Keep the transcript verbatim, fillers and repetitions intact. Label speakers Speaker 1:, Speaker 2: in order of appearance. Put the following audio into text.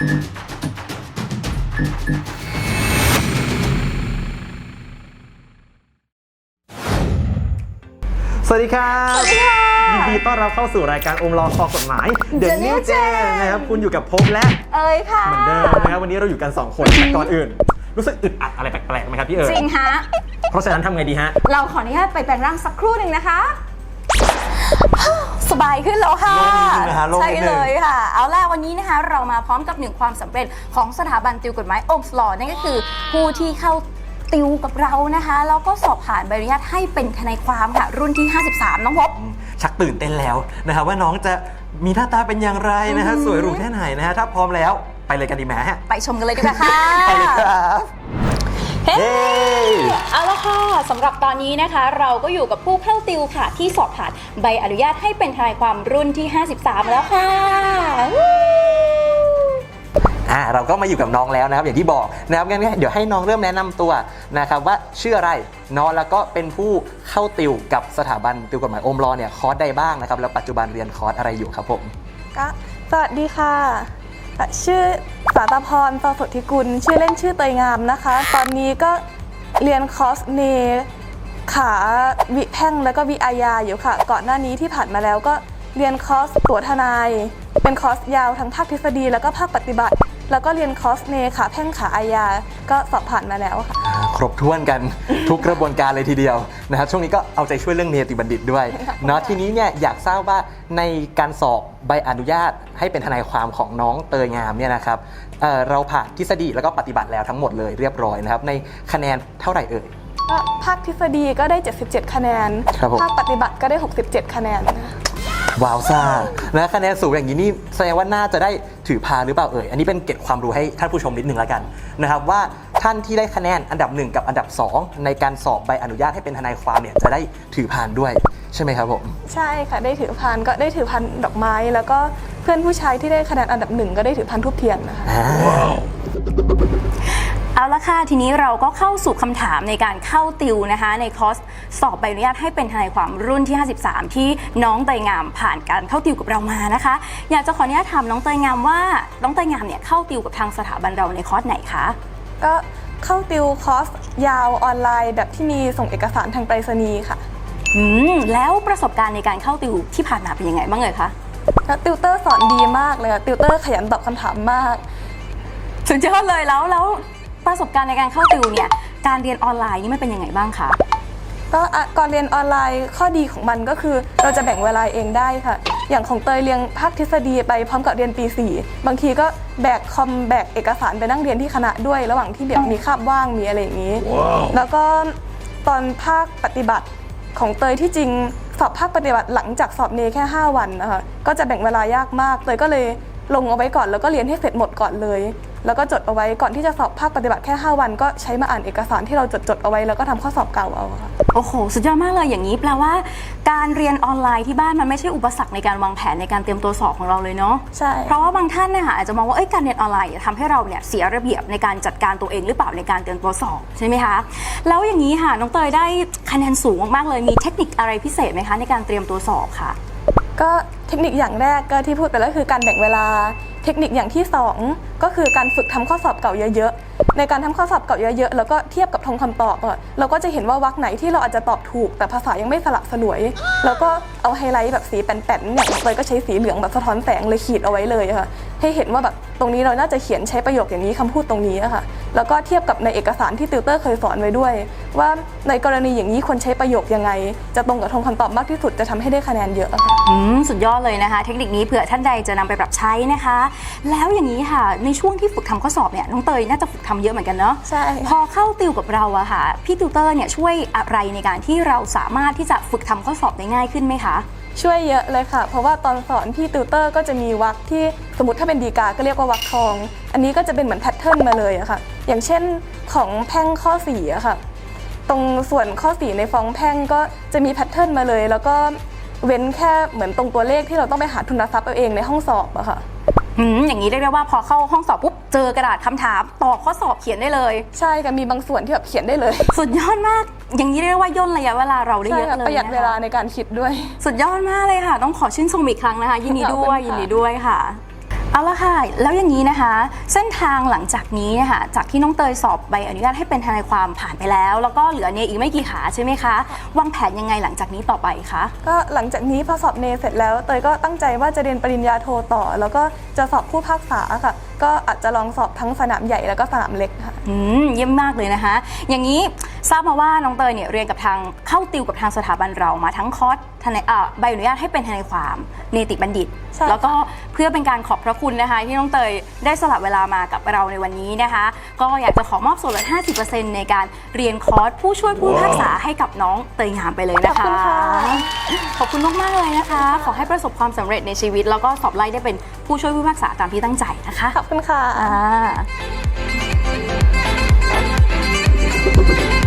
Speaker 1: สวัสดีครับสวัสดีค่ะยินดีต้อนรับเข้าสู่รายการอมรอคอกฎหมาย The New Gen นะครับคุณอยู่กับพบและ
Speaker 2: เอ๋ยค่ะ
Speaker 1: เหมือนเดิมนะครับวันนี้เราอยู่กันสองคนแต่ก่อนอื่นรู้สึกอึดอัดอะไรแปลกๆไหมครับพี่เอ๋ย
Speaker 2: จริงฮะ
Speaker 1: เพราะฉะนั้นทำไงดีฮะ
Speaker 2: เราขออนุญาตไปแปลงร่างสักครู่หนึ่งนะคะสบายขึ้นแล้วค่ะใช่เลยค่ะเอาล่ะวันนี้นะคะเรามาพร้อมกับหนึ่งความสำเร็จของสถาบันติวกฎหมาย โอห์มส์ ลอ นั่นก็คือผู้ที่เข้าติวกับเรานะคะแล้วก็สอบผ่านใบอนุญาตให้เป็นทนายความค่ะรุ่นที่ห้าสิบสามน้องพบ
Speaker 1: ชักตื่นเต้นแล้วนะครับว่าน้องจะมีหน้าตาเป็นอย่างไรนะฮะสวยหรูแค่ไหนนะฮะถ้าพร้อมแล้วไปเลยกันดีไหมฮะ
Speaker 2: ไปชมกันเลยดีกว่าค่ะ
Speaker 1: ไปเลยครับ
Speaker 2: เฮ้เอาละค่ะสำหรับตอนนี้นะคะเราก็อยู่กับผู้เข้าติวค่ะที่สอบผ่านใบอนุญาตให้เป็นทนายความรุ่นที่ห้าสิบสามแล้วค่ะ
Speaker 1: อ่าเราก็มาอยู่กับน้องแล้วนะครับอย่างที่บอกนะครับงั้นเดี๋ยวให้น้องเริ่มแนะนำตัวนะครับว่าชื่ออะไรน้องแล้วก็เป็นผู้เข้าติวกับสถาบันติวกฎหมาย โอห์มส์ ลอ เนี่ยคอร์สใดบ้างนะครับแล้วปัจจุบันเรียนคอร์สอะไรอยู่ครับผม
Speaker 3: ก็สวัสดีค่ะชื่อสาตพร ปสุทธิกุลชื่อเล่นชื่อเตยงามนะคะตอนนี้ก็เรียนคอร์สเนขาวิแพ่งแล้วก็วิอาญาอยู่ค่ะก่อนหน้านี้ที่ผ่านมาแล้วก็เรียนคอร์สตั๋วทนายเป็นคอร์สยาวทั้งภาคทฤษฎีแล้วก็ภาคปฏิบัติแล้วก็เรียนคอร์สเนขาแพ่งขาอาญาก็สอบผ่านมาแล้วค่ะ
Speaker 1: ครบถ้วนกันทุกกระบวนการเลยทีเดียวนะครับช่วงนี้ก็เอาใจช่วยเรื่องเนติบัณฑิตด้วยเนาะทีนี้เนี่ยอยากทราบว่าในการสอบใบอนุญาตให้เป็นทนายความของน้องเตยงามเนี่ยนะครับ เ, เราผ่านทฤษฎีแล้วก็ปฏิบัติแล้วทั้งหมดเลยเรียบร้อยนะครับในคะแนนเท่าไหร่เอ่ย
Speaker 3: ก็ภาคทฤษฎีก็ได้เจ็ดสิบเจ็ดคะแนนภาคปฏิบัติก็ได้หกสิบเจ็ดคะแนน
Speaker 1: ว้าวซ่านะคะแนนสูงอย่างนี้นี่แสดงว่าน่าจะได้ถือพานหรือเปล่าเอ่ยอันนี้เป็นเก็บความรู้ให้ท่านผู้ชมนิดนึงแล้วกันนะครับว่าท่านที่ได้คะแนนอันดับหนึ่งกับอันดับสองในการสอบใบอนุญาตให้เป็นทนายความเนี่ยจะได้ถือพานด้วยใช่ไหมครับผม
Speaker 3: ใช่ค่ะได้ถือพานก็ได้ถือพานดอกไม้แล้วก็เพื่อนผู้ชายที่ได้คะแนนอันดับหนึ่งก็ได้ถือพานทูบเทียนนะคะ
Speaker 2: เอาละค่ะทีนี้เราก็เข้าสู่คำถามในการเข้าติวนะคะในคอร์สสอบใบอนุญาตให้เป็นทนายความรุ่นที่ห้าสิบสามที่น้องเตยงามผ่านการเข้าติวกับเรามานะคะอยากจะขออนุญาตถามน้องเตยงามว่าน้องเตยงามเนี่ยเข้าติวกับทางสถาบันเราในคอร์สไหนคะ
Speaker 3: ก็เข้าติวคอร์สยาวออนไลน์แบบที่มีส่งเอกสารทางไปรษณีย์ค่ะ
Speaker 2: อืมแล้วประสบการณ์ในการเข้าติวที่ผ่านมาเป็นยังไงบ้างเลยคะ
Speaker 3: ติวเตอร์สอนดีมากเลยค่ะติวเตอร์ขยันตอบคำถามมาก
Speaker 2: สุดยอดเลยแล้วแล้วประสบการณ์ในการเข้าติวเนี่ยการเรียนออนไลน์นี่มันเป็นยังไงบ้างคะ
Speaker 3: ก็ก่อนเรียนออนไลน์ข้อดีของมันก็คือเราจะแบ่งเวลาเองได้ค่ะอย่างของเตยเรียนภาคทฤษฎีไปพร้อมกับเรียนปีสี่บางทีก็แบกคอมแบกเอกสารไปนั่งเรียนที่คณะด้วยระหว่างที่แบบมีคาบว่างมีอะไรอย่างนี้ wow. แล้วก็ตอนภาคปฏิบัติของเตยที่จริงสอบภาคปฏิบัติหลังจากสอบเนแค่ห้าวันนะคะก็จะแบ่งเวลายากมากเตยก็เลยลงเอาไว้ก่อนแล้วก็เรียนให้เสร็จหมดก่อนเลยแล้วก็จดเอาไว้ก่อนที่จะสอบภาคปฏิบัติแค่ห้าวันก็ใช้มาอ่านเอกสารที่เราจดจดเอาไว้แล้วก็ทำข้อสอบเก่าเอาค่ะ
Speaker 2: โอ้โหสุดยอดมากเลยอย่างนี้แปลว่าการเรียนออนไลน์ที่บ้านมันไม่ใช่อุปสรรคในการวางแผนในการเตรียมตัวสอบของเราเลยเนาะ
Speaker 3: ใช่
Speaker 2: เพราะว่าบางท่านนะคะอาจจะมองว่าเอ้ยการเรียนออนไลน์ทำให้เราเนี่ยเสียระเบียบในการจัดการตัวเองหรือเปล่าในการเตรียมตัวสอบใช่ไหมคะแล้วอย่างนี้ค่ะน้องเตยได้คะแนนสูงมากๆเลยมีเทคนิคอะไรพิเศษไหมคะในการเตรียมตัวสอบค่ะ
Speaker 3: ก็เทคนิคอย่างแรกก็ที่พูดไปแล้วคือการแบ่งเวลาเทคนิคอย่างที่สองก็คือการฝึกทำข้อสอบเก่าเยอะๆในการทำข้อสอบเก่าเยอะๆแล้วก็เทียบกับทงคำตอบเราก็จะเห็นว่าวรรคไหนที่เราอาจจะตอบถูกแต่ภาษายังไม่สละสลวยแล้วก็เอาไฮไลท์แบบสีแป้นๆอย่างเลยก็ใช้สีเหลืองแบบสะท้อนแสงเลยขีดเอาไว้เลยค่ะให้เห็นว่าแบบตรงนี้เราน่าจะเขียนใช้ประโยคอย่างนี้คำพูดตรงนี้ค่ะแล้วก็เทียบกับในเอกสารที่ติวเตอร์เคยสอนไว้ด้วยว่าในกรณีอย่างนี้ควรใช้ประโยคยังไงจะตรงกับทงคำตอบมากที่สุดจะทำให้ได้คะแนนเยอะ
Speaker 2: อืมสุดยอดเลยนะคะเทคนิคนี้เผื่อท่านใดจะนำไปปรับใช้นะคะแล้วอย่างนี้ค่ะในช่วงที่ฝึกทำข้อสอบเนี่ยน้องเตยน่าจะฝึกทำเยอะเหมือนกันเนาะ
Speaker 3: ใช่
Speaker 2: พอเข้าติวกับเราอะค่ะพี่ติวเตอร์เนี่ยช่วยอะไรในการที่เราสามารถที่จะฝึกทำข้อสอบได้ง่ายขึ้นไหมคะ
Speaker 3: ช่วยเยอะเลยค่ะเพราะว่าตอนสอนพี่ติวเตอร์ก็จะมีวรรคที่สมมติถ้าเป็นดีกาก็เรียกว่าวรรคทองอันนี้ก็จะเป็นเหมือนแพทเทิร์นมาเลยอะค่ะอย่างเช่นของแพ่งข้อสี่อะค่ะตรงส่วนข้อสี่ในฟ้องแพ่งก็จะมีแพทเทิร์นมาเลยแล้วก็เว้นแค่เหมือนตรงตัวเลขที่เราต้องไปหาทุนทรัพย์เอาเองในห้องสอบอะค่ะ
Speaker 2: อืมอย่างนี้เรียกได้ว่าพอเข้าห้องสอบปุ๊บเจอกระดาษคำถามตอบข้อสอบเขียนได้เลย
Speaker 3: ใช่ค่ะมีบางส่วนที่แบบเขียนได้เลย
Speaker 2: สุดยอดมากอย่างนี้เรียกว่าย่นระยะเวลาเราได้เยอะเลย
Speaker 3: ประหยัดเวลาในการคิดด้วย
Speaker 2: สุดยอดมากเลยค่ะต้องขอชื่นชมอีกครั้งนะคะยินดีด้วยยินดีด้วยค่ะเอาละค่ะแล้วอย่างนี้นะคะ เส้นทางหลังจากนี้นะคะจากที่น้องเตยสอบใบอนุญาตให้เป็นทนายความผ่านไปแล้ว แล้วก็เหลือเนอีกไม่กี่ขาใช่ไหมคะวางแผนยังไงหลังจากนี้ต่อไปคะ
Speaker 3: ก็หลังจากนี้พอสอบเนเสร็จแล้วเตยก็ตั้งใจว่าจะเรียนปริญญาโทต่อ แล้วก็จะสอบผู้พิพากษาค่ะก็อาจจะลองสอบทั้งสนามใหญ่แล้วก็สนามเล็กค่ะ
Speaker 2: อืมเยี่ยมมากเลยนะคะ อย่างนี้ทราบมาว่าน้องเตยเนี่ยเรียนกับทางเข้าติวกับทางสถาบันเรามาทั้งคอร์สทนายอ่าใบอนุญาตให้เป็นทนายความเนติบัณฑิต
Speaker 3: ใช่
Speaker 2: แล้วก็เพื่อเป็นการขอบพระคุณนะคะ ที่น้องเตยได้สละเวลามากับเราในวันนี้นะคะ ก็อยากจะขอมอบส่วนลด ห้าสิบเปอร์เซ็นต์ ในการเรียนคอร์สผู้ช่วยผู้พิพากษาให้กับน้องเตยงามไปเลยนะคะ
Speaker 3: ขอบคุณค่ะ
Speaker 2: ขอบคุณมากๆเลยนะคะ ขอให้ประสบความสำเร็จในชีวิต แล้วก็สอบไล่ได้เป็นผู้ช่วยผู้พิพากษาตามที่ตั้งใจนะคะ
Speaker 3: ขอบคุณค่ะ
Speaker 2: อ่า